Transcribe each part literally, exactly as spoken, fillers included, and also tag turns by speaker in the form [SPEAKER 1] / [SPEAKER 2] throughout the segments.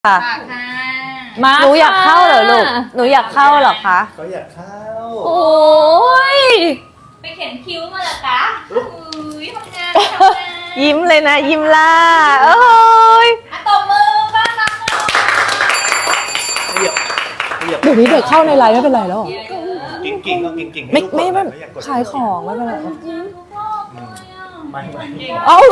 [SPEAKER 1] ค่ะมาหนูอยากเข้าเหรอลูกหนูอยากเข้าเหรอคะ
[SPEAKER 2] เขาอยากเข้า
[SPEAKER 1] โอ้ย
[SPEAKER 3] ไปเขียนคิ้วมาเหรอคะอุ้ยทำงานทำงาน
[SPEAKER 1] ยิ้มเลยนะยิ้มล่าโอ้ย
[SPEAKER 3] อ่ะตบมือบ้านรักเรา
[SPEAKER 2] เดี๋ยวเดี๋ยว
[SPEAKER 4] เดี๋ยวนี้เด็กเข้าในไลน์ไม่เป็นไรแล้วเหรอ
[SPEAKER 2] กิ่งกิ่งก็กิ่งกิ่ง
[SPEAKER 4] ไม่ไม่ไม่ขายของไม่เป็นไร
[SPEAKER 2] ไม่ไม่
[SPEAKER 1] เอ้า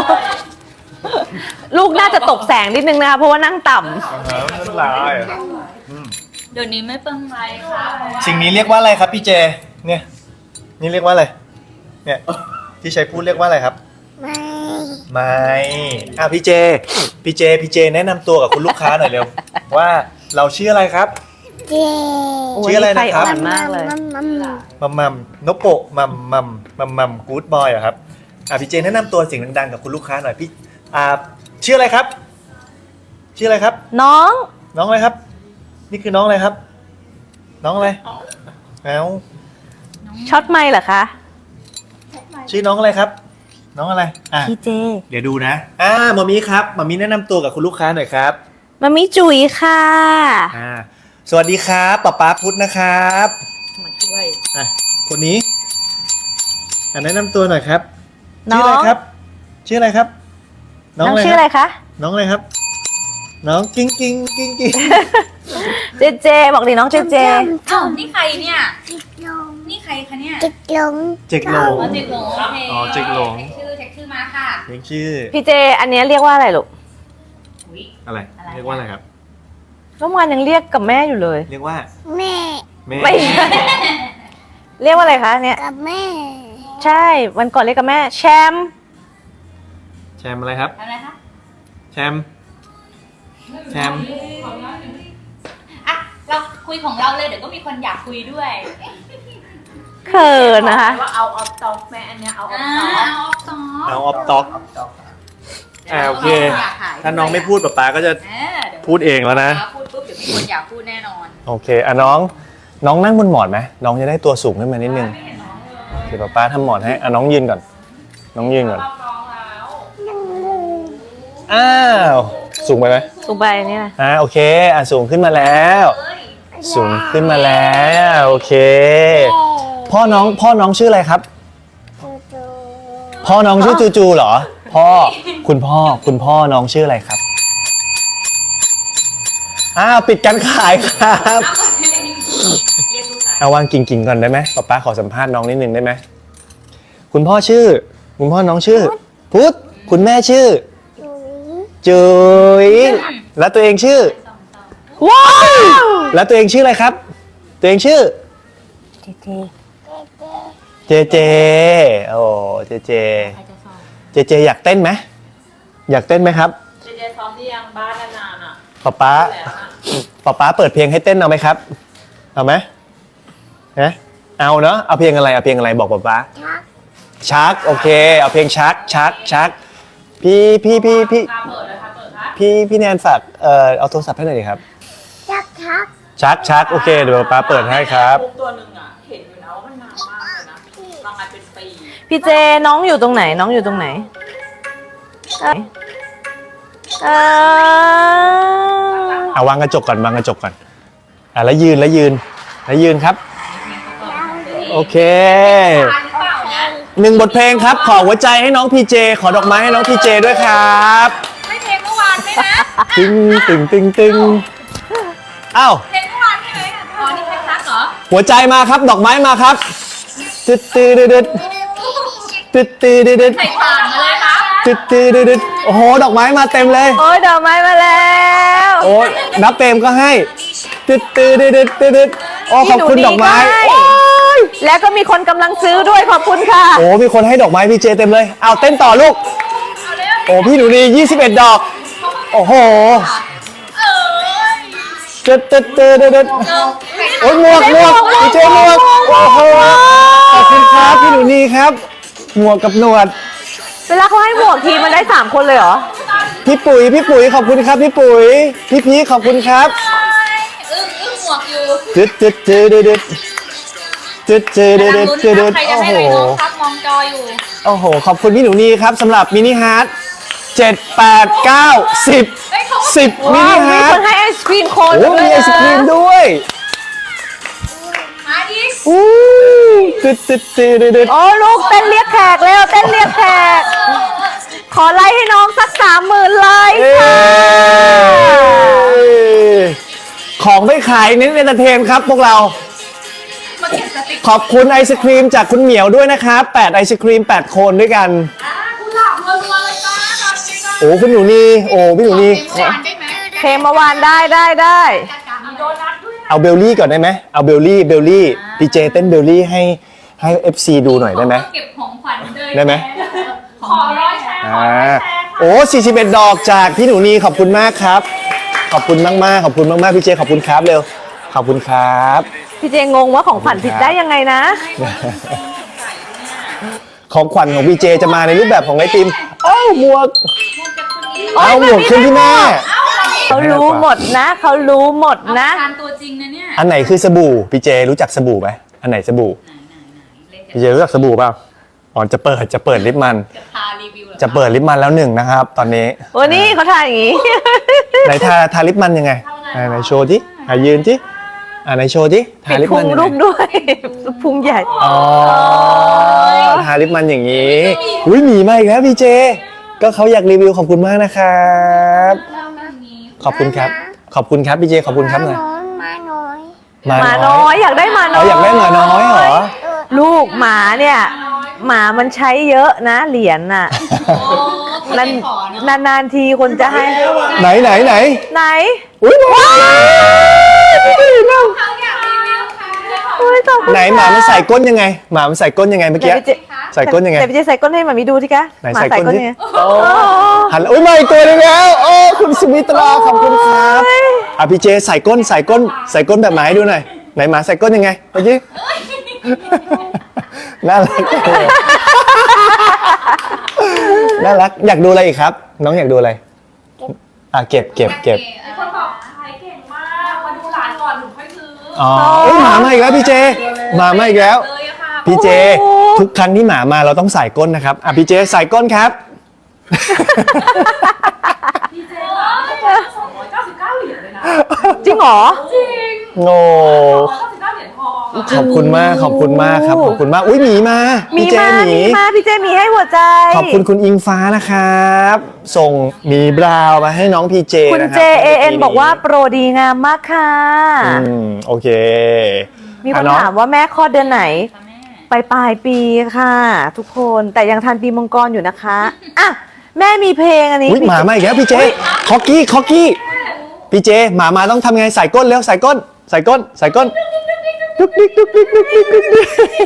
[SPEAKER 1] ลูกน่าจะตกแสงนิดนึงนะคะเพราะว่านั่งต่ำ
[SPEAKER 2] ไม่เป็นไร
[SPEAKER 3] เดี๋ยวนี้ไม่เป็นไรค่ะ
[SPEAKER 2] สิ่งนี้เรียกว่าอะไรครับพี่เจเนี่ยนี่เรียกว่าอะไรเนี่ยที่ใช้พูดเรียกว่าอะไรครับไม่ไม่อ่ะพี่เจพี่เจพี่เจแนะนำตัวกับคุณลูกค้าหน่อยเร็วว่าเราชื่ออะไรครับ
[SPEAKER 5] เจ
[SPEAKER 2] ชื่ออะไรนะครับ
[SPEAKER 1] อ่อนมากเลย
[SPEAKER 2] มัมมัมนโปะมัมมัมมัมมัมกู๊ดบอยเหรอครับอ่ะพี่เจแนะนำตัวเสียงดังๆกับคุณลูกค้าหน่อยพี่อ่าชื่ออะไรครับชื่ออะไรครับ
[SPEAKER 1] น้อง
[SPEAKER 2] น้องอะไรครับนี่คือน้องอะไรครับน้องอะไรเอ้า
[SPEAKER 1] ช็อตไมค์เหรอคะ
[SPEAKER 2] ชื่อน้องอะไรครับน้องอะไรอ่ะ
[SPEAKER 1] พี่เจ
[SPEAKER 2] เดี๋ยวดูนะอ่ามามีครับมามีแนะนำตัวกับคุณลูกค้าหน่อยครับ
[SPEAKER 1] มามิจุ๋ยค่ะ
[SPEAKER 2] อ่าสวัสดีครับป๊าป๊าพุทธนะครับ
[SPEAKER 3] มาช่วย
[SPEAKER 2] อ่ะคนนี้อ่ะแนะนำตัวหน่อยครับ
[SPEAKER 1] น้อง
[SPEAKER 2] ชื่ออะไรครับชื่ออะไรครับ
[SPEAKER 1] น้องชื่ออะไรคะ
[SPEAKER 2] น้องอะไรครับน้องกิ้งกิ้งกิ้งกิ้ง
[SPEAKER 1] เจเจบอกดิน้องเจเจ
[SPEAKER 3] อ้าวนี่ใครเนี่ยนี่ใครคะเนี่ย
[SPEAKER 5] จิกหลง
[SPEAKER 2] เจ๊กหลง
[SPEAKER 3] อ๋อจิกหลงโอเค
[SPEAKER 2] อ๋อจิกหลง
[SPEAKER 3] เช็คชื่อเช็คชื่อมาค่ะ
[SPEAKER 2] เรียกชื่อ
[SPEAKER 1] พี่เจอันนี้เรียกว่าอะไรลูก
[SPEAKER 2] อะไรเรียกว่าอะไรครับ
[SPEAKER 1] เมื่อวานยังเรียกกับแม่อยู่เลย
[SPEAKER 2] เรียกว่า
[SPEAKER 5] แม่
[SPEAKER 2] แม่
[SPEAKER 1] ไม่ใช่เรียกว่าอะไรคะเนี่ย
[SPEAKER 5] กับแม่
[SPEAKER 1] ใช่วันก่อนเรียกกับแม่แชม
[SPEAKER 2] แชมอะไรครับ
[SPEAKER 3] อะไรคะ
[SPEAKER 2] แชมแชม
[SPEAKER 3] อ่ะเราคุยของเราเลยเดี๋ยวก็มีคนอยากคุยด้วย
[SPEAKER 1] เขินนะคะ
[SPEAKER 6] ว่าเอาออฟต็อกแม่อันเนี้ยเอาออฟ
[SPEAKER 3] อ่า
[SPEAKER 6] ต็อก
[SPEAKER 3] เอาออฟ
[SPEAKER 2] เอาออฟต็
[SPEAKER 3] ต็อก
[SPEAKER 2] อกอ่าโอเคถ้าน้องไม่พูดป๊าป๊าก็จะ
[SPEAKER 3] เออเดี๋ยว
[SPEAKER 2] พูดเองแล้วนะ
[SPEAKER 3] พูดปุ๊บเดี๋ยวมีคนอยากพูดแน่นอน
[SPEAKER 2] โอเคอ่ะน้องน้องนั่งบนหมอนไหมน้องจะได้ตัวสูงขึ้นมานิดนึงเดี๋ยวป๊าป๊าทำหมอนให้อ่ะน้องยืนก่อนน้องยืนก่อนอ้าวสูงไปไหม
[SPEAKER 1] สูงไปนี่นะ
[SPEAKER 2] อ่าโอเคอ่ะสูงขึ้นมาแล้วสูงขึ้นมาแล้วโอเคพ่อน้องพ่อน้องชื่ออะไรครับพ่อน้องชื่อจูจูเหรอพ่อคุณพ่อคุณพ่อน้องชื่ออะไรครับอ้าวปิดการขายครับเอาวางกิ่งกิ่งก่อนได้ไหมป๊าป๊าขอสัมภาษณ์น้องนิดนึงได้ไหมคุณพ่อชื่อคุณพ่อน้องชื่อพุทธคุณแม่ชื่อจุ๋ยแล้วตัวเองชื่อ
[SPEAKER 1] ว้าว
[SPEAKER 2] แล้วตัวเองชื่ออะไรครับตัวเองชื่อ
[SPEAKER 1] เจเจ
[SPEAKER 2] เจเจโอ้เจเจเจเจอยากเต้นไหมอยากเต้นไหมครับ
[SPEAKER 6] เจเจซ้อมที่ยังบ้านนานๆอ่ะ
[SPEAKER 2] ป๊าป๊าป๊าป๊าเปิดเพลงให้เต้นเอาไหมครับเอาไหมฮะเอาเนาะเอาเพลงอะไรเอาเพลงอะไรบอกป๊าป๊าชักโอเคเอาเพลงชักชักชักพี่พี่พี่พี่พี่พี่แนนฝากเอ่อเอาโทรศัพท์ให้หน่อยดิครับ
[SPEAKER 5] ชักชัก
[SPEAKER 2] ชักชักโอเคเดี๋ยวป๊าเปิดให้ครับ
[SPEAKER 6] ตัวหนึ่งอ่ะเห็นอยู่นะว่ามันนานมากเลยนะบางอันเป็นปี
[SPEAKER 1] พี่เจน้องอยู่ตรงไหนน้องอยู่ตรงไหนเออ
[SPEAKER 2] เอาวางกระจกก่อนวางกระจกก่อนอ่ะแล้วยืนแล้วยืนแล้วยืนครับโอเคหนึ่งบทเพลงครับขอหัวใจให้น้องพีเจขอดอกไม้ให้น้องพีเจด้วยครับ
[SPEAKER 3] ไม่เพลงเมื่อวานไหมนะ
[SPEAKER 2] ตึงตึงตึงตึงอ้าว
[SPEAKER 3] เพลงเมื่อวานใช่ไหมอ๋อนี่เพลงรักเหรอ
[SPEAKER 2] หัวใจมาครับดอกไม้มาครับตึ๊ดตึ๊ดตึ๊ดตึ๊ดตึ๊ดตึ๊ด
[SPEAKER 3] ใส่ผ่านมาเลยครับ
[SPEAKER 2] ตึ๊ดตึ๊ดตึ๊ดโอ้โหดอกไม้มาเต็มเลย
[SPEAKER 1] โอ้ยดอกไม้มาแล้ว
[SPEAKER 2] โอ้นับเต็มก็ให้ตึ๊ดตึ๊ดตึ๊ดตึ๊ดโอ้ขอบคุณดอกไม้
[SPEAKER 1] แล้วก็มีคนกำลังซื้อด้วยขอบคุณค่ะ
[SPEAKER 2] โอ้มีคนให้ดอกไม้พี่เจเต็มเลยเอาเต้นต่อลูกโอ้พี่หนูดียี่สิบเอ็ดดอกโอ้โหเด็ดเด็ดเด็ดเด็ดโอ้ยหมวกหมวกพี่เจหมวกโอ้โหขอบคุณครับพี่หนูดีครับหมวกกับหนวด
[SPEAKER 1] เวลาเขาให้หมวกทีมันได้สามคนเลยเหรอ
[SPEAKER 2] พี่ปุ๋ยพี่ปุ๋ยขอบคุณครับพี่ปุ๋ยพี่พีขอบคุณครับ
[SPEAKER 3] อึ้งอึ้งหมวกอยู่
[SPEAKER 2] เด็ดเด็ดเด็ดเด็ดเด็ดเด็ดเด็ดเด็ดเด็ด
[SPEAKER 3] ใครจะให้อะไรน้องครับมองจออยู่
[SPEAKER 2] โอ้โหขอบคุณพี่หนูนีครับสำหรับมินิฮาร์ทเจ็ดแปดเก้าสิบสิบมิ
[SPEAKER 1] ว้า
[SPEAKER 2] นิ
[SPEAKER 1] วมี
[SPEAKER 2] ฮา
[SPEAKER 1] ค
[SPEAKER 2] ร์
[SPEAKER 1] น
[SPEAKER 2] ท
[SPEAKER 1] ให้ไอศครีมโคน
[SPEAKER 2] โอ้
[SPEAKER 1] ด้วย
[SPEAKER 2] มีไอศครีมด้วย
[SPEAKER 3] มาอีก
[SPEAKER 2] อู้ตึ๊ดตึ๊ดตึ๊ดตึ๊ดตึ๊ด
[SPEAKER 1] โอ้ลูกเต้นเรียกแขกเร็วเต้นเรียกแขก ขอไลค์ให้น้องสักสามหมื่นไลค์
[SPEAKER 2] เอ้
[SPEAKER 1] ค่ะ
[SPEAKER 2] ยของไม่ขายเน้นเอนเตอร์เทนครับพวกเรา
[SPEAKER 3] มาเก็บสติก
[SPEAKER 2] ขอบคุณไอศครีมจากคุณเหมียวด้วยนะครับแปดไอศครีมแปดโคนด้วยกัน
[SPEAKER 3] อ่าคุณหลับรัวๆเลยจ้าตอนนี้ก็
[SPEAKER 2] โอ้คุณหนูนี่โอ้พี่หนูนี่
[SPEAKER 3] เต็มจานได้ไหม
[SPEAKER 1] เพลงเมื่อวานได้ได้ได้
[SPEAKER 3] มีโดนัทด้วยนะ
[SPEAKER 2] เอาเบลลี่ก่อนได้ไหมเอาเบลลี่เบลลี่พีเจเต้นเบลลี่ให้ให้ เอฟ ซี ดูหน่อยได้ไหม
[SPEAKER 3] เก็บของขวัญเลย
[SPEAKER 2] ได้ไหม
[SPEAKER 3] ขอร้อยแชร์ขอ
[SPEAKER 2] อ่า
[SPEAKER 3] ร้อยแชร์ค่ะ
[SPEAKER 2] โอ้สี่สิบเอ็ดดอกจากพี่หนูนีขอบคุณมากครับ ขอบคุณมากมากๆขอบคุณมากมากๆพี่เจขอบคุณครับเร็วขอบคุณครับ
[SPEAKER 1] พี่เจงงว่าของขวัญผิดได้ยังไงนะ
[SPEAKER 2] ของขวัญของพี่เจจะมาในรูปแบบของไอติมเอ้าหมวก
[SPEAKER 1] โอ๊ย
[SPEAKER 2] เอาหมวกขึ้นที่แม่
[SPEAKER 1] เขารู้หมดนะ เขารู้หมด
[SPEAKER 3] เอา
[SPEAKER 1] นะ
[SPEAKER 3] ทานตัวจริงนะเนี่ย
[SPEAKER 2] อันไหนคือสบู่พี่เจรู้จักสบู่ไหมอันไหนสบู่พี่เจรู้จักสบู่เปล่าอ๋อจะเปิดจะเปิดลิปมัน
[SPEAKER 3] จะพารีวิวหรอ
[SPEAKER 2] จะเปิดลิปมันแล้วหนึ่งนะครับ ตอนนี้
[SPEAKER 1] โอ้นี่เขาถ่ายอย่างงี้
[SPEAKER 2] ไหนทาทาลิปมันยังไงไหนไหนโชว์ดิอ่ะยืนดิอ่ะไหนโชว์ดิทา
[SPEAKER 1] ปิด
[SPEAKER 2] ลิป
[SPEAKER 1] พุ
[SPEAKER 2] มัน
[SPEAKER 1] ง
[SPEAKER 2] ยัง
[SPEAKER 1] ลู
[SPEAKER 2] ไง
[SPEAKER 1] กด้วย พุงใหญ่
[SPEAKER 2] อ๋อทาลิปมันอย่างนี้อุ้ยหมีมาอีกแล้วพี่เจ ก็เขาอยากรีวิวขอบคุณมากนะครับ ขอบคุณครับ ขอบคุณครับพี่เจขอบคุณครับหน่อย
[SPEAKER 5] มาน้อย
[SPEAKER 2] หมา
[SPEAKER 1] หมา
[SPEAKER 2] น้
[SPEAKER 1] น้
[SPEAKER 2] อ
[SPEAKER 1] อย ยอยากได้หมาน้
[SPEAKER 2] เขา
[SPEAKER 1] อย
[SPEAKER 2] อยากได้หมาน้อยเหรอ
[SPEAKER 1] ลูกหมาเนี่ย หมามันใช้เยอะนะเหรียญน่ะ
[SPEAKER 3] โอ้คุณ
[SPEAKER 1] นาน
[SPEAKER 3] ไม่ขอเนาะ
[SPEAKER 1] นานๆทีคนจะให้
[SPEAKER 2] ไหนไหนไหน
[SPEAKER 1] ไหน
[SPEAKER 2] อุ้ยหมา
[SPEAKER 3] เขาอยากรีวิวค่ะ
[SPEAKER 1] โอ้ยขอบคุณ
[SPEAKER 2] ไหนหมามันใส่ก้นยังไง หมามันใส่ก้นยังไงเมื่อกี้
[SPEAKER 1] ไหนพี่เจ
[SPEAKER 2] ใส่ก้นยังไง
[SPEAKER 1] แต่พี่เจใส่ก้นให้หมามีดูสิคะ
[SPEAKER 2] ไหน
[SPEAKER 1] หมา
[SPEAKER 2] ใส่
[SPEAKER 1] ใส่
[SPEAKER 2] ก้
[SPEAKER 1] ก้
[SPEAKER 2] น
[SPEAKER 1] น
[SPEAKER 2] ดิ
[SPEAKER 1] ยังไง
[SPEAKER 2] โอ้หันอุ้ยมาอีกตัวหนึงแล้วโอ้คุณสุมิตราขอบคุณครับอ่ะพี่เจใส่ก้นใส่ก้นใส่ก้นแบบหมาให้ดูหน่อยไหนหมาใส่ก้นยังไงเมื่อกี้น่ารักเลยน่ารักอยากดูอะไรอีกครับ น้องอยากดูอะไรอ่ะเก็บเก็บเก็บ
[SPEAKER 6] คนบอกขายเก่งมากมาดูหลานก่อนถึงค่อยซื้อ
[SPEAKER 2] อ๋อเอ้ยหมามาอีกแล้วพี่เจหมามาอีกแล้ว
[SPEAKER 6] เลยอะค่ะ
[SPEAKER 2] พี่เจ ทุกครั้งที่หมามาเราต้องใส่ก้นนะครับอ่ะพี่เจใส่ก้นครับ
[SPEAKER 6] พี่เจสองร้อยเก้าสิบเก้าเหรียญเลยนะ
[SPEAKER 1] จริงเหรอ
[SPEAKER 6] จริง
[SPEAKER 2] โง่
[SPEAKER 6] สองร้อยเก้าสิบเก้าเหรียญทองอะ
[SPEAKER 2] ขอบคุณมากขอบคุณมากครับขอบคุณมากอุ้ยหมีมา
[SPEAKER 1] มี
[SPEAKER 2] พี่เจ
[SPEAKER 1] มา
[SPEAKER 2] หมี
[SPEAKER 1] มีมาพี่เจมีให้หัวใจ
[SPEAKER 2] ขอบคุณคุณอิงฟ้านะครับ ส่งหมีบราวน์มาให้น้องพีเจ
[SPEAKER 1] คุณ
[SPEAKER 2] นะครั
[SPEAKER 1] เจเอเอ็นบอกว่าโปรดีงามมากค่ะ
[SPEAKER 2] อืมโอเค
[SPEAKER 1] มีคน
[SPEAKER 2] อ่ะน้อง
[SPEAKER 1] ถามว่าแม่คลอดเดือนไหน
[SPEAKER 3] ค่ะแม่
[SPEAKER 1] ปลายปลายปีค่ะ ทุกคนแต่ยังทันปีมังกรอยู่นะคะอ่ะแม่มีเพลงอันนี้
[SPEAKER 2] อุ้ยหมามาอีกแล้วพี่เจคอกกี้คอกกี้พี่เจหมามาต้องทำไงใส่ก้นเร็วใส่ก้น ใส่ก้นใส่ก้นดุ๊กดิ๊กดุ๊กดิ๊กดุ๊กดิ๊กดุ๊กดิ๊ก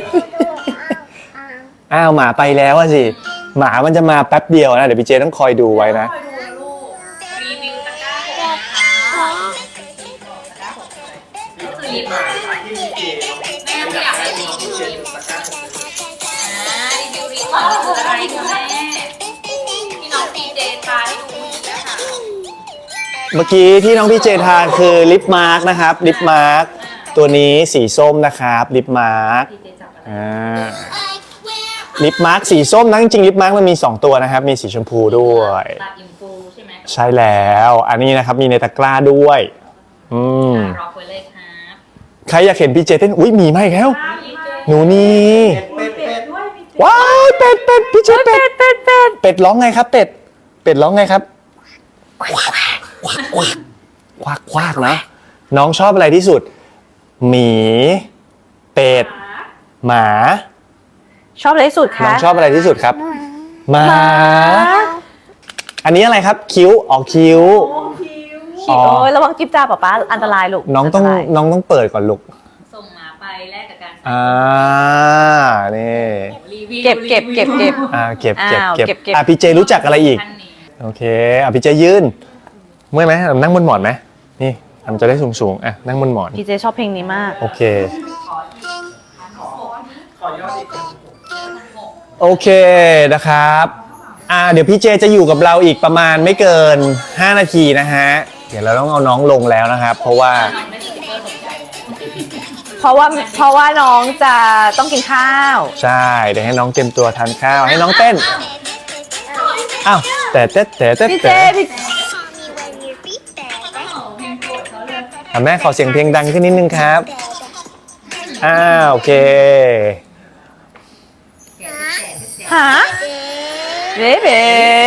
[SPEAKER 2] อ้าวหมาไปแล้วอะสิหมามันจะมาแป๊บเดียวนะเดี๋ยวพี่เจต้องคอยดูไว้นะ
[SPEAKER 3] คอยดูนะลูกรีวิวตะกร้าเลยนะคะตะกร้าหกเลยก็คือลิปแม่ไม่อยากให้รีวิวลิปอ่ารีวิวลิปก่อนคืออะไรคะแม่ที่น้องพีเจทาให้ดูนะคะ
[SPEAKER 2] เมื่อกี้ที่น้องพี่เจทานคือลิปมาร์กนะครับลิปมาร์กตัวนี้สีส้มนะครับลิปมาร์ก
[SPEAKER 3] พีเจจับอะไร
[SPEAKER 2] อ่าลิปมาร์กสีส้มนะจริงๆลิปมาร์กมันมีสองตัวนะครับมีสีชมพูด้วย
[SPEAKER 3] ตัดอินฟูใช่ไหม
[SPEAKER 2] ใช่แล้วอันนี้นะครับมีในตะกร้าด้วยอืม
[SPEAKER 3] รอคุยเลยครับ
[SPEAKER 2] ใครอยากเห็นพี่เจเต้นอุ้ยหมีมาอีกแล้วหนูนี่ว้าวเป็ดเป็ดพี่เจเป็ดเป็ดเป็ดเป็ดร้องไงครับเป็ดเป็ดร้องไงครับควักควักควักควักควักนะน้องชอบอะไรที่สุดหมีเป็ดหมา
[SPEAKER 1] ชอบอะไรที่สุด
[SPEAKER 2] น้อ
[SPEAKER 1] คะ
[SPEAKER 2] งชอบอะไรที่สุดครับหมาอันนี้อะไรครับคิ้วออกคิ้ว
[SPEAKER 1] โอ้ยระวังจิ๊บจ้าป๊าป๊าอันตรายลูก
[SPEAKER 2] น้องต้อง
[SPEAKER 1] นตราย
[SPEAKER 2] น้องต้องเปิดก่อนลูก
[SPEAKER 3] ส่งหมาไปแลกกับการ
[SPEAKER 2] อ่านี่
[SPEAKER 3] รีวิว
[SPEAKER 1] เก็บเก็บเก็บเก็บ
[SPEAKER 2] อ่าเก็บเก็บ
[SPEAKER 1] อ้าว
[SPEAKER 2] เก็บ
[SPEAKER 1] เก็บเก็บ
[SPEAKER 2] อ่ะพี่เจรู้จักอะไรอีก
[SPEAKER 3] ท่านนี้
[SPEAKER 2] โอเคอ่ะพี่เจยืนเมื่อยไหมนั่งบนหมอนไหมนี่มันจะได้สูงสูงๆอ่ะนั่งบนหมอน
[SPEAKER 1] พี่เจชอบเพลงนี้มาก
[SPEAKER 2] โอเคโอเคนะครับอ่าเดี๋ยวพี่เจจะอยู่กับเราอีกประมาณไม่เกินห้านาทีนะฮะเดี๋ยวเราต้องเอาน้องลงแล้วนะครับ เพราะว่า
[SPEAKER 3] น้องได้สติ๊กเกอร์สนใจ
[SPEAKER 1] เพราะว่าเพราะว่าน้องจะต้องกินข้าว
[SPEAKER 2] ใช่เดี๋ยวให้น้องเตรียมตัวทานข้าวให้น้องเต้นอ้าวแต่แต่แต่แต่
[SPEAKER 1] พี่เจ
[SPEAKER 2] แต่
[SPEAKER 1] พี่
[SPEAKER 2] อ่ะแม่ขอเสียงเพลงดังขึ้นนิดนึงครับอ้าวโอเค
[SPEAKER 1] หาเบ๊เบ๊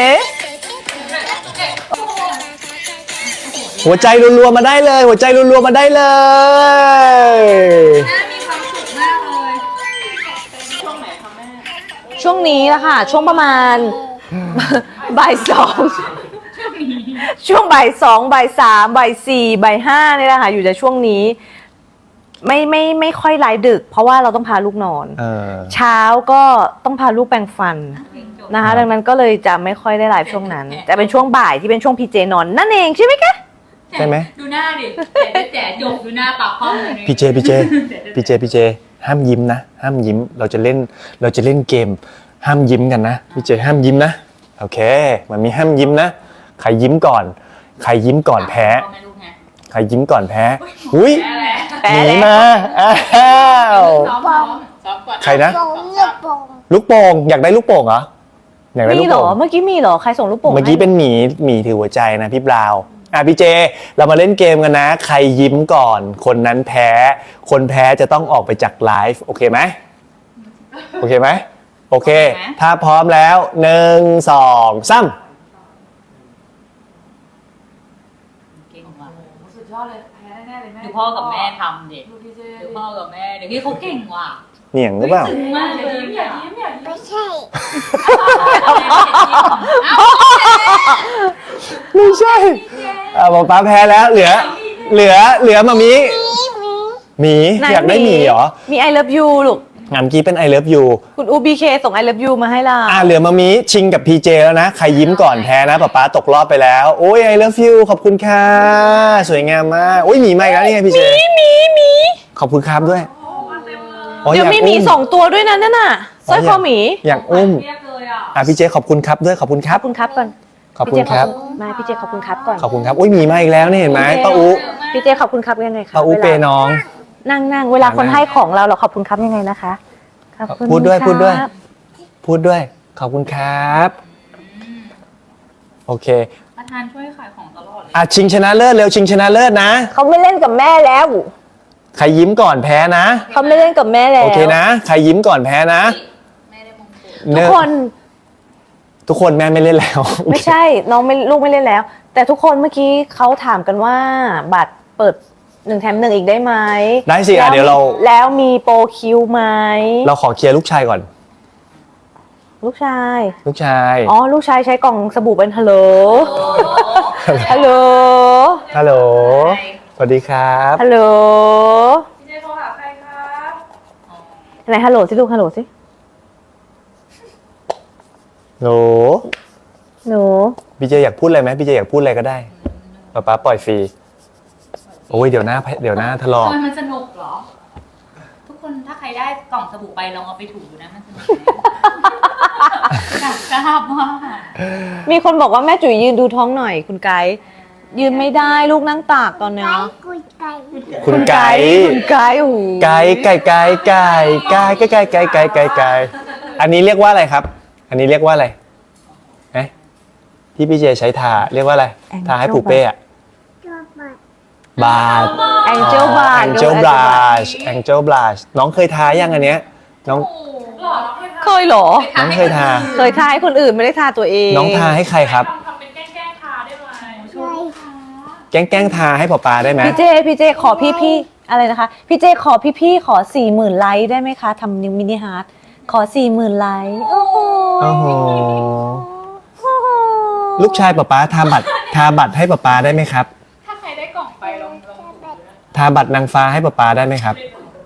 [SPEAKER 2] หัวใจรัวๆมาได้เลย หัวใจรัวๆมาได้เลย
[SPEAKER 3] แม่มีความสุขมากเลย
[SPEAKER 6] ช่วงไหนคะแม่
[SPEAKER 1] ช่วงนี้ละค่ะ ช่วงประมาณ บ่ายสองช่วงบ่ายสองบ่ายสามบ่ายสี่บ่ายห้านี่แหละค่ะอยู่ในช่วงนี้ ไม่ไม่ไม่ค่อยไลฟ์ดึก เพราะว่าเราต้องพาลูกนอน
[SPEAKER 2] เออ
[SPEAKER 1] เช้าก็ต้องพาลูกแปรงฟันนะคะ ดังนั้นก็เลยจะไม่ค่อยได้ไลฟ์ช่วงนั้น แต่เป็นช่วงบ่ายที่เป็นช่วงพีเจนอนนั่นเองใช่ไหมคะ
[SPEAKER 2] ใช่ไหม
[SPEAKER 3] ดูหน้าดิแจ๋แจ๋จบดูหน้าปากห้องเลย
[SPEAKER 2] พี่เจพี่เจพี่เจพี่เจห้ามยิ้มนะห้ามยิ้มเราจะเล่นเราจะเล่นเกม ห้ามยิ้มกันนะพี่เจห้ามยิ้มนะโอเคมันมีห้ามยิ้มนะใครยิ้มก่อน ใครยิ้มก่อนแพ้ ใครยิ้มก่อนแพ้อุ้ย
[SPEAKER 1] แปล
[SPEAKER 2] หนี
[SPEAKER 1] แล้ว
[SPEAKER 2] มาอ้าว
[SPEAKER 3] ซ้อมซ้อมซ้อมก่อน
[SPEAKER 2] ใครนะลูกโป่งอยากได้ลูกโป่งเหรออยากได้ลู
[SPEAKER 1] มี
[SPEAKER 2] ก
[SPEAKER 1] เหรอ
[SPEAKER 2] โป่ง
[SPEAKER 1] เมื่อกี้มีเหรอใครส่งลูกโป่ง
[SPEAKER 2] เมื่อกี้
[SPEAKER 1] ให้
[SPEAKER 2] เป็นหมีหมีถือหัวใจนะพี่บราวน์อ่ะพี่เจเรามาเล่นเกมกันนะ ใครยิ้มก่อน คนนั้นแพ้ คนแพ้จะต้องออกไปจากไลฟ์โอเคไหมโอเคไหมโอเค ถ้าพร้อมแล้วหนึ่งสองสาม
[SPEAKER 3] เก่งว่ะ
[SPEAKER 6] สุดยอดเลยแพ้แน่ๆเลยแม่
[SPEAKER 3] ดูพ่อกับแม่ทำดิ
[SPEAKER 6] ดูพี่เจ
[SPEAKER 3] ดูพ่อกับแม่เดี๋ยวนี้เขาเก่งว่ะ
[SPEAKER 2] เหนียงหรือเปล่า
[SPEAKER 3] ซึ้งมากเลย
[SPEAKER 6] ยิ้มอย่ายิ้มอย่ายิ้ม
[SPEAKER 5] ไม่ใช่
[SPEAKER 2] ไม่ใช่อ่ะบอกป้าแพ้แล้วเหลือ เหลือเหลือมามีหมี
[SPEAKER 1] ไหน
[SPEAKER 2] อยากได้หมีเหรอ
[SPEAKER 1] มี I love you ลูก
[SPEAKER 2] งานเมื่อกี้เป็น I love you
[SPEAKER 1] คุณอูบีเคส่ง I love you มาให้เรา
[SPEAKER 2] อ่ะเหลือมามีชิงกับพีเจแล้วนะ ใครยิ้มก่อนแพ้นะป๊าป๊าตกรอบไปแล้ว โอ้ย I love you ขอบคุณค่ะ สวยงามมากโอ้ยหมีมาอีกแล้วนี่ไงพี่เจ
[SPEAKER 1] มีมีมี
[SPEAKER 2] ขอบคุณครับด้วยอ๋อ
[SPEAKER 1] เดี๋ยว
[SPEAKER 2] อาก
[SPEAKER 1] มีหมี
[SPEAKER 2] อุ้
[SPEAKER 1] สองตัวด้วยนะนั่นน่ะสร้อยคอหมี
[SPEAKER 2] อยากอุ้ม
[SPEAKER 6] เรียบเลยอ่ะ
[SPEAKER 2] อ่ะพี่เจขอบคุณครับด้วยขอบคุณค
[SPEAKER 1] ข
[SPEAKER 2] รั
[SPEAKER 1] อ
[SPEAKER 2] บบ
[SPEAKER 1] คุณครับก่อน
[SPEAKER 2] ขอบคุณครับ
[SPEAKER 1] มาพี่เจขอบคุณครับก่อน
[SPEAKER 2] ขอบคุณครับอุ้ยหมีมาอีกแล้วนี่เห็นไหมป้าอู
[SPEAKER 1] พี่เจขอบคุณครับยังไงคะ
[SPEAKER 2] ป้าอู
[SPEAKER 1] วล
[SPEAKER 2] เปย์น้อง
[SPEAKER 1] นั่งนั่งเวลาคน
[SPEAKER 2] นั่ง
[SPEAKER 1] ให้ของเราเราขอบคุณครับยังไงนะคะขอบคุณ
[SPEAKER 2] พูดด้วย
[SPEAKER 1] ครับ
[SPEAKER 2] พูดด้วย พูดด้วย ขอบคุณครับ โอเค
[SPEAKER 3] ประธานช่วยขายของตลอดเลย
[SPEAKER 2] อ่ะชิงชนะเลิศเร็วชิงชนะเลิศนะ
[SPEAKER 1] เขาไม่เล่นกับแม่แล้ว
[SPEAKER 2] ใครยิ้มก่อนแพ้นะ
[SPEAKER 1] เขาไม่เล่นกับแม่แล้ว
[SPEAKER 2] โอเคนะ ใครยิ้มก่อนแพ้นะ
[SPEAKER 3] แม่ได้มงกุฎ
[SPEAKER 1] ทุก
[SPEAKER 2] เนอะ
[SPEAKER 1] คน
[SPEAKER 2] ทุกคนแม่ไม่เล่นแล้ว
[SPEAKER 1] ไม่ใช่น้องไม่ลูกไม่เล่นแล้ว แต่ทุกคนเมื่อกี้เขาถามกันว่า บัตรเปิดหนึ่งแถมหนึ่งอีกได้ไหม
[SPEAKER 2] ได้สิอ่ะ
[SPEAKER 1] แล้ว
[SPEAKER 2] เดี๋ยวเรา
[SPEAKER 1] แล้วมีโปรคิวไหม
[SPEAKER 2] เราขอเคลียร์ลูกชายก่อน
[SPEAKER 1] ลูกชาย
[SPEAKER 2] ลูกชาย
[SPEAKER 1] อ๋อ ลูกชายใช้กล่องสบู่เป็นฮัลโหล ฮัลโหล
[SPEAKER 2] ฮัลโหล สวัสดีครับ
[SPEAKER 1] ฮัลโหล
[SPEAKER 6] พี่เจโทรหาใครครับ
[SPEAKER 1] ไหนฮัลโหลสิลูกฮัลโหลสิ
[SPEAKER 2] โหล
[SPEAKER 1] หนู
[SPEAKER 2] พี่เจอยากพูดอะไรไหมพี่เจอยากพูดอะไรก็ได้ป๊าป๊าปล่อยฟรี โอ้ยเดี๋ยวหน้าเดี๋ยวหน้าถลอก
[SPEAKER 3] ทำไมมันสนุกเหรอ ทุกคนถ้าใครได้กล่องสบู่ไปลองเอาไปถูนะมันสนุกอยากทราบว่า
[SPEAKER 1] มีคนบอกว่าแม่จุ๋ยยืนดูท้องหน่อย คุณไกด์ยืนไม่ได้ลูกนั่งตากตอนเนี้ย
[SPEAKER 5] กุยไก่
[SPEAKER 2] คุณไก่
[SPEAKER 1] คุณไกด์โอ้โห
[SPEAKER 2] ไก่ไก่ไก่ไก่ไก่ไก่ไก่ไก่ไก่ไก่อันนี้เรียกว่าอะไรครับ อันนี้เรียกว่าอะไรเอ๊ะที่พี่เจใช้ทาเรียกว่าอะไร ทาให้ปูเป้อะ
[SPEAKER 5] ชอบมาก
[SPEAKER 2] บาร์
[SPEAKER 1] แองเจิลบาร์
[SPEAKER 2] Angel Blush Angel Blush น้องเคยทายังอันเนี้ยน้อง
[SPEAKER 6] หล่อเราให้ท
[SPEAKER 1] เคยเหรอ
[SPEAKER 2] น้องเคยทา
[SPEAKER 1] เคยทาให้คนอื่นไม่ได้ทาตัวเอง
[SPEAKER 2] น้องทาให้ใครครับ
[SPEAKER 6] ำทำเป็นแกล้งๆทาได้ไหม
[SPEAKER 5] ใช่
[SPEAKER 2] แกล้งแกล้งทาให้ป๊าป๊าได้ไหม
[SPEAKER 1] พี่เจ พี่เจ ขอพี่พี่อะไรนะคะ พี่เจ ขอพี่พี่ขอสี่หมื่นไลค์ได้ไหมคะทำนิวมินิฮาร์ดขอสี่หมื่นไลค์โอ้โห
[SPEAKER 2] โอ้โหลูกชายป๊าป๊าทาบัตรทาบัตรให้ป๊าป๊าได้ไหมครับ
[SPEAKER 6] ถ้าใครได้กล่องไปลองลอง
[SPEAKER 2] ทาบัตรนางฟ้าให้ป๊าป๊าได้ไหมครับ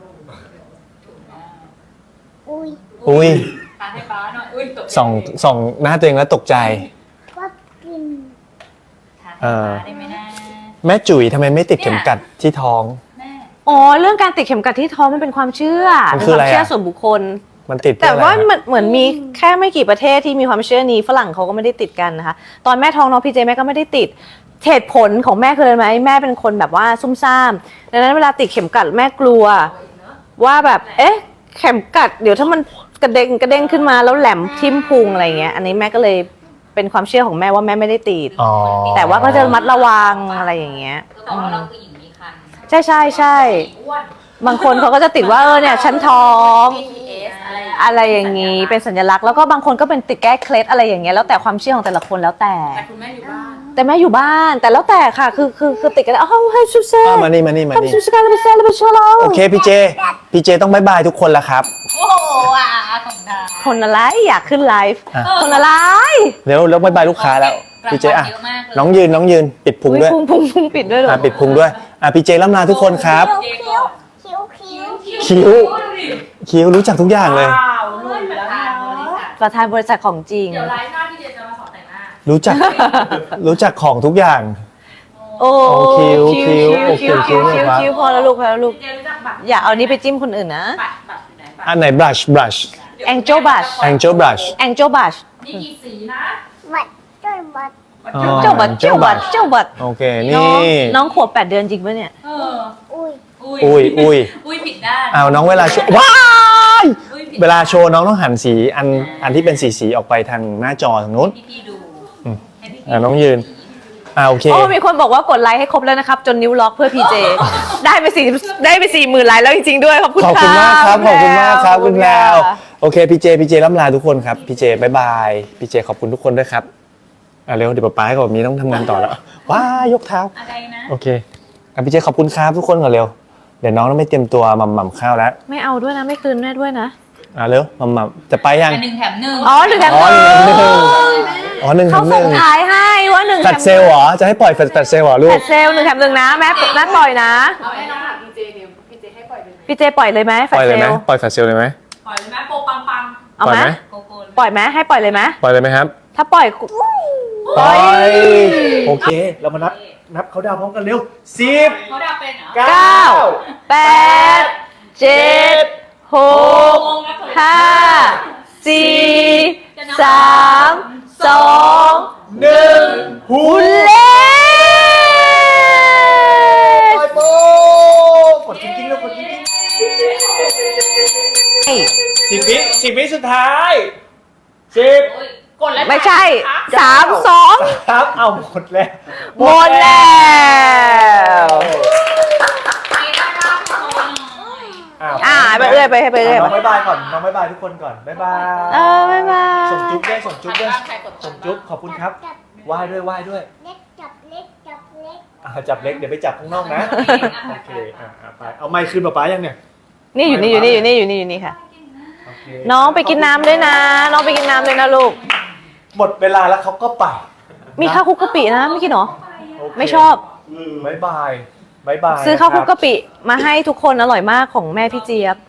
[SPEAKER 5] อุ้ย
[SPEAKER 2] อุ้ย
[SPEAKER 3] ทานให้ป้าหน่อยอุ้ยตกใจ
[SPEAKER 2] ส่องส่องหน้าตัวเองแล้วตกใจ
[SPEAKER 5] ก็กิน
[SPEAKER 3] ทานให้ป้าได้ไหมนะ
[SPEAKER 2] แม่จุ๋ยทำไมไม่ติดเข็มกัดที่ท้อง
[SPEAKER 3] แม่
[SPEAKER 1] อ๋อ เรื่องการติดเข็มกัดที่ท้องมันเป็นความเชื่อ
[SPEAKER 2] มัน
[SPEAKER 1] เป็น
[SPEAKER 2] คือ
[SPEAKER 1] ค
[SPEAKER 2] อะไร
[SPEAKER 1] วามเชื่อ
[SPEAKER 2] อะ
[SPEAKER 1] ส่วนบุคคล
[SPEAKER 2] มันติดเพื่
[SPEAKER 1] แต่
[SPEAKER 2] ออะไร
[SPEAKER 1] ว่า
[SPEAKER 2] ครับ
[SPEAKER 1] มันเหมือนมีแค่ไม่กี่ประเทศที่มีความเชื่อนี้ฝรั่งเขาก็ไม่ได้ติดกันนะคะ ตอนแม่ท้องน้องพี่เจแม่ก็ไม่ได้ติดเหตุผลของแม่คืออะไรไหมแม่เป็นคนแบบว่าซุ่มซ่ามดังนั้นเวลาติดเข็มกัดแม่กลัว ว่าแบบเอ๊ะเข็มกัดเดี๋ยวถ้ามันกระเด้งกระเด้งขึ้นมาแล้วแหลมทิ่มพุงอะไรเงี้ยอันนี้แม่ก็เลยเป็นความเชื่อของแม่ว่าแม่ไม่ได้ติด
[SPEAKER 2] อ๋อ
[SPEAKER 1] แต่ว่าก็จะระมัดระวังอะไรอย่างเงี้ย
[SPEAKER 3] ก็บอกว่าเราคือหญิงมีคัน
[SPEAKER 1] ใช่ใช่ใช่
[SPEAKER 3] อ้วน
[SPEAKER 1] บางคนเขาก็จะติดว่าเออเนี่ยฉันท้อง
[SPEAKER 3] พี ที เอส อะไร
[SPEAKER 1] อะไรอย่างงี้เป็นสัญลักษณ์แล้วก็บางคนก็เป็นติดแก้เคล็ดอะไรอย่างเงี้ยแล้วแต่ความเชื่อของแต่ละคนแล้วแต่
[SPEAKER 3] แต่คุณแม่อยู่บ้าน
[SPEAKER 1] แต่แม่อยู่บ้านแต่แล้วแต่ค่ะคือคือคือติดกันแล้วอ้าวให้ชูเซ่
[SPEAKER 2] อ่ะมานี่มานี่มา
[SPEAKER 1] ทำ
[SPEAKER 2] นี่
[SPEAKER 1] ชูเซ่กันแล้วไปเซ่แล้วไปช่วยเรา
[SPEAKER 2] โอเคพี่เจ พี่เจต้องบายบายทุกคนแล้วครับ
[SPEAKER 3] โอ้โหอ่ะของดา
[SPEAKER 1] คนอะไรอยากขึ้นไลฟ์
[SPEAKER 2] อ่ะ
[SPEAKER 1] คนอะไร
[SPEAKER 2] เร็วแล้วบายบายลูกค้าแล้ว พี่เจอ่ะ
[SPEAKER 3] เยอะมากเลย
[SPEAKER 2] น้องยืนน้องยืนปิดพุง
[SPEAKER 1] อุ้ย
[SPEAKER 2] ด้วย
[SPEAKER 1] พุงพุงพุงปิดด้วยเหรอ
[SPEAKER 2] อ่ะปิดพุงด้วยอ่ะพี่เจล่ำลาทุกคนครับ
[SPEAKER 3] เจก่อน
[SPEAKER 5] คิ้วคิ้ว
[SPEAKER 2] คิ้ว คิ้วรู้จักทุกอย่างเลย
[SPEAKER 6] ว้าวหลุยแล้ว
[SPEAKER 3] ทา
[SPEAKER 6] นะ
[SPEAKER 3] นบริษัท
[SPEAKER 1] ประธานบริษัทของจริง
[SPEAKER 3] เดี๋ยวไลฟ์หน้าพี่เจจะมาสอนแต่งหน้า
[SPEAKER 2] รู้จัก รู้จักของทุกอย่าง
[SPEAKER 1] โอ้
[SPEAKER 2] โอ้คิ้วคิ้วโอเค
[SPEAKER 1] คิ้ว
[SPEAKER 2] คิ้
[SPEAKER 1] คิ้
[SPEAKER 2] ว
[SPEAKER 1] ว
[SPEAKER 2] เนี่ยครับ
[SPEAKER 1] คิ้วพอแล้วลูกพอแล้วลูก
[SPEAKER 3] เจรู้จักบัตร
[SPEAKER 1] อย่าเอานี้ไปจิ้มคนอื่นนะ
[SPEAKER 3] บัตรบัตรอยู่ไหนบัตร
[SPEAKER 2] อันไหน brush brush
[SPEAKER 1] Angel Brush
[SPEAKER 2] angel brush
[SPEAKER 1] Angel Brush
[SPEAKER 3] นี่กี่สีนะ
[SPEAKER 5] บัดจนบัด
[SPEAKER 2] อ๋อ
[SPEAKER 1] เจ้าบัตร
[SPEAKER 2] Angel
[SPEAKER 1] เจ้าบัตร
[SPEAKER 2] brush
[SPEAKER 1] เจ้าบัตร
[SPEAKER 2] โอเค
[SPEAKER 1] น้อง
[SPEAKER 2] นี่
[SPEAKER 1] น้องขวบแปดเดือนจริงปะเนี่ย
[SPEAKER 3] เออ
[SPEAKER 5] อุ้ย
[SPEAKER 3] อุ้ย
[SPEAKER 2] อุ้ยอุ้ย
[SPEAKER 3] อุ้ยผิดด้าน
[SPEAKER 2] อ้าวน้องเวลาโชว์ว้าย
[SPEAKER 3] อุ้ยผิด
[SPEAKER 2] เวลาโชว์น้องต้องหันสีอันอันที่เป็นสีสีๆออกไปทางหน้าจอทางนู้น
[SPEAKER 3] พี่พี่ดู
[SPEAKER 2] อืม
[SPEAKER 3] ให้พี่
[SPEAKER 2] อ่ะน้องยืนอ่าโอเค
[SPEAKER 1] โอ้มีคนบอกว่ากดไลค์ให้ครบแล้วนะครับ จนนิ้วล็อกเพื่อพีเจ ได้ไปสี่ได้ไปสี่หมื่นไลค์แล้วจริงๆด้วย ขอบคุณ
[SPEAKER 2] ขอบคุณมากครับ ขอบคุณมากครับคุณแพรว
[SPEAKER 1] ค่ะ
[SPEAKER 2] โอเคพี่เจพี่เจล่ำลาทุกคนครับพี่เจบายบายพี่เจขอบคุณทุกคนด้วยครับอ่ะเร็วเดี๋ยวป๊าป๊ากับมีต้องทำงานต่อแล้วว้ายกเท้า
[SPEAKER 3] อะไรนะ
[SPEAKER 2] โอเคอ่ะพี่เจขอบคุณครับทุกคนก่อนเร็วเดี๋ยวน้องต้องไปเตรียมตัวหม่ำหม่ำข้าวแล้ว
[SPEAKER 1] ไม่เอาด้วยนะไม่คืนแม่ด้วยนะ
[SPEAKER 2] อ่ะเร็วหม่ำหม่ำจะไปยัง
[SPEAKER 3] อันหนึ่งแถมหนึ่ง
[SPEAKER 1] อ๋อหนึ่งแถม
[SPEAKER 2] อ๋อ
[SPEAKER 1] ห
[SPEAKER 2] หนึ่
[SPEAKER 1] นึ่
[SPEAKER 2] ง
[SPEAKER 1] ง
[SPEAKER 2] แถมหนึ่งอ๋อหนึ่งแถ
[SPEAKER 1] เขา
[SPEAKER 2] มห
[SPEAKER 1] ส่
[SPEAKER 2] นึ่
[SPEAKER 1] ง
[SPEAKER 2] ง
[SPEAKER 1] ท้ายให้ว่าหนึ่ง
[SPEAKER 2] แฟดเซลล์เหรอจะให้ปล่อยแฟดแฟดเซลล์เหรอลู
[SPEAKER 1] แฟ
[SPEAKER 2] ก
[SPEAKER 1] ดเซลล์หนึ่งแถมหนึ่งนะแม่แม่ปล่อยนะ
[SPEAKER 6] เอาให้น้องถามพีเจเดี๋ยวพีเจให้ปล่อยเลย
[SPEAKER 1] พี่เจปล่อยเลยไหมแฟ
[SPEAKER 2] ป
[SPEAKER 1] ด
[SPEAKER 2] ล่อย
[SPEAKER 1] เซ
[SPEAKER 2] เลยไหม
[SPEAKER 1] ลล์
[SPEAKER 2] ปล่อยแฟดเซลล์เลยไหม
[SPEAKER 6] ปล่อยเลยไหมโปรปังปัง
[SPEAKER 1] เอา
[SPEAKER 2] ปล่อย
[SPEAKER 1] ไหม
[SPEAKER 2] ไหม
[SPEAKER 3] โกโก้
[SPEAKER 1] ปล่อยไหมให้ปล่อยเลยไหม
[SPEAKER 2] ปล่อยเลยไหมครับ
[SPEAKER 1] ถ้าปล่อย
[SPEAKER 2] ปล่อยโอเคเรามานับนับเขาดาวพร้อมกันเร็วสิบ
[SPEAKER 3] เขาดาวเป็นเหรอ
[SPEAKER 2] เก้า
[SPEAKER 1] แปดเจ็ดหกห้าสี่สามสองหนึ่ง
[SPEAKER 2] หู
[SPEAKER 1] เล่
[SPEAKER 2] ปล่อยโป๊กกดจริงๆแล้วกดจริงๆสิบวิสิบวิสุดท้ายสิบ
[SPEAKER 3] โอ้ย
[SPEAKER 6] กดแล้ว
[SPEAKER 1] ไม่ใช่สามสอง
[SPEAKER 2] ครับเอาหมดแล้ว
[SPEAKER 1] หมดแล้ว
[SPEAKER 3] ไม่ได้บ้างโชว์หน่อย
[SPEAKER 2] อ้าว
[SPEAKER 1] อ่าไปเรื่อยไปให้ไปเรื่อย
[SPEAKER 2] น้องบ๊ายบายก่อนน้องบ๊ายบายทุกคนก่อนบ๊ายบาย
[SPEAKER 1] เออบ๊ายบาย
[SPEAKER 2] ส่งจุ๊บด้วยส่งจุ๊บด้วย
[SPEAKER 3] ใครกด
[SPEAKER 2] ส่งจุ๊บขอบคุณครับ
[SPEAKER 5] จับ
[SPEAKER 2] ไหว้ด้วยไหว้ด้วย
[SPEAKER 5] เล็กจับเล็กจับเล็ก
[SPEAKER 2] อ่าจับเล็กเดี๋ยวไปจับข้างนอกนะโอเคอ่าอ่าไปเอาไมค์คืนป๊าป๊ายังเนี่ย
[SPEAKER 1] นี่อยู่นี่อยู่นี่อยู่นี่อยู่นี่อยู่นี่ค่ะ
[SPEAKER 2] โอเค
[SPEAKER 1] น้องไปกินน้ำด้วยนะ น้องไปกินน้ำด้วยนะลูก
[SPEAKER 2] หมดเวลาแล้วเขาก็ไป
[SPEAKER 1] มีข้าวคลุกกะปินะไม่กินเหรอ
[SPEAKER 2] โเค
[SPEAKER 1] ไม่ชอบ
[SPEAKER 2] บ๊ายบายบ๊ายบาย
[SPEAKER 1] ซื้อข้าวคลุก
[SPEAKER 2] นะ
[SPEAKER 1] กะปิมาให้ทุกคนอร่อยมากของแม่พี่เจี๊ยบ